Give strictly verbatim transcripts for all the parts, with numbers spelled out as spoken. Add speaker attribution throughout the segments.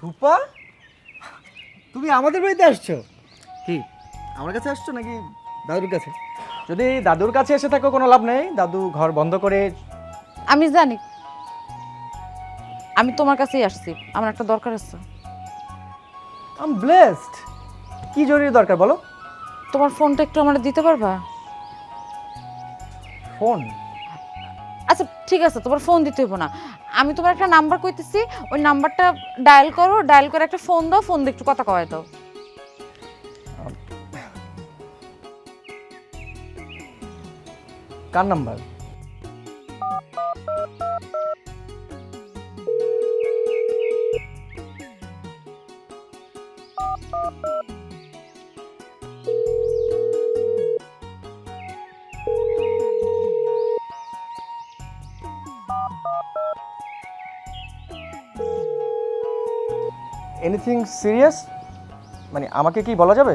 Speaker 1: রূপা, তুমি আমাদের বাড়িতে আসছো? কি আমার কাছে আসছো নাকি দাদুর কাছে?
Speaker 2: যদি দাদুর কাছে এসে থাকো কোনো লাভ নেই, দাদু ঘর বন্ধ করে।
Speaker 3: আমি জানি, আমি তোমার কাছেই আসছি, আমার একটা দরকার আছে।
Speaker 2: Am blessed. কি জরুরি দরকার বলো?
Speaker 3: তোমার ফোনটা একটু আমার দিতে পারবা?
Speaker 2: ফোন?
Speaker 3: আচ্ছা ঠিক আছে, তোমার ফোন দিতে হইব না, আমি তোমার একটা নাম্বার কইতেছি, ওই নাম্বারটা ডায়াল করো, ডায়াল করে একটা ফোন দাও, ফোন দিয়ে একটু কথা কয় দাও।
Speaker 2: কার নাম্বার? Anything serious? মানে আমাকে কি বলা যাবে?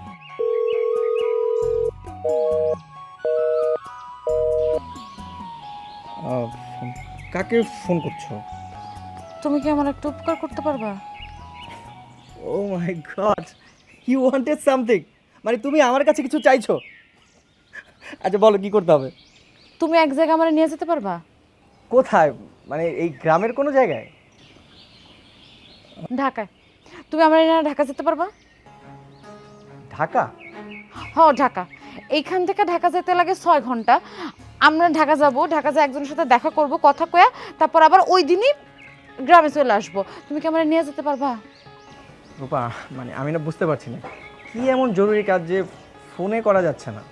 Speaker 1: আহ, কাকে ফোন করছো?
Speaker 3: তুমি কি আমার একটা উপকার করতে পারবা?
Speaker 1: Oh my god, you wanted something, মানে তুমি আমার কাছে কিছু চাইছো? আচ্ছা বলো কি করতে হবে?
Speaker 3: তুমি এক জায়গায় আমার নিয়ে যেতে পারবা?
Speaker 2: কোথায়? মানে এই গ্রামের কোনো জায়গায়?
Speaker 3: ঢাকায়। তুমি আমার এনে ঢাকা যেতে পারবা?
Speaker 2: ঢাকা?
Speaker 3: হ ঢাকা। এইখান থেকে ঢাকা যেতে লাগে ছয় ঘন্টা। আমরা ঢাকা যাব, ঢাকা যা একজনের সাথে দেখা করব, কথা কয়া তারপর আবার ওই দিনই গ্রামে চলে আসবো। তুমি কি আমার নিয়ে যেতে পারবা?
Speaker 2: রূপা, মানে আমি না বুঝতে পারছি না কি এমন জরুরি কাজ যে ফোনে করা যাচ্ছে না।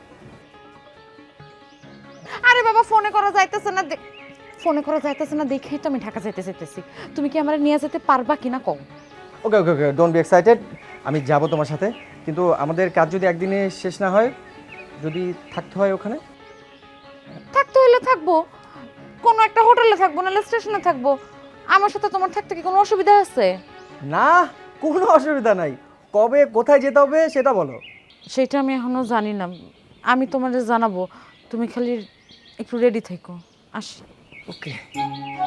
Speaker 3: আরে বাবা, ফোনে করা যাইতেছে না, দে- ফোনে করা যাইতেছে না দেখেই তো আমি ঢাকা যেতে যেতেছি। তুমি কি আমার নিয়ে যেতে পারবা কিনা কও?
Speaker 2: Okay okay okay, don't be excited. আমি যাব তোমার সাথে, কিন্তু আমাদের কাজ যদি একদিনে শেষ না হয়, যদি থাকতে হয় ওখানে।
Speaker 3: থাকতে হইলে থাকবো, কোনো একটা হোটেলে থাকবো, নাহলে স্টেশনে থাকবো। আমার সাথে তোমার থাকতে কি কোনো অসুবিধা আছে?
Speaker 2: না, কোনো অসুবিধা নাই। কবে কোথায় যেতে হবে সেটা বলো।
Speaker 3: সেটা আমি এখনো জানি না, আমি তোমাদের জানাবো। তুমি খালি একটু রেডি থেকো, আসি।
Speaker 2: ওকে।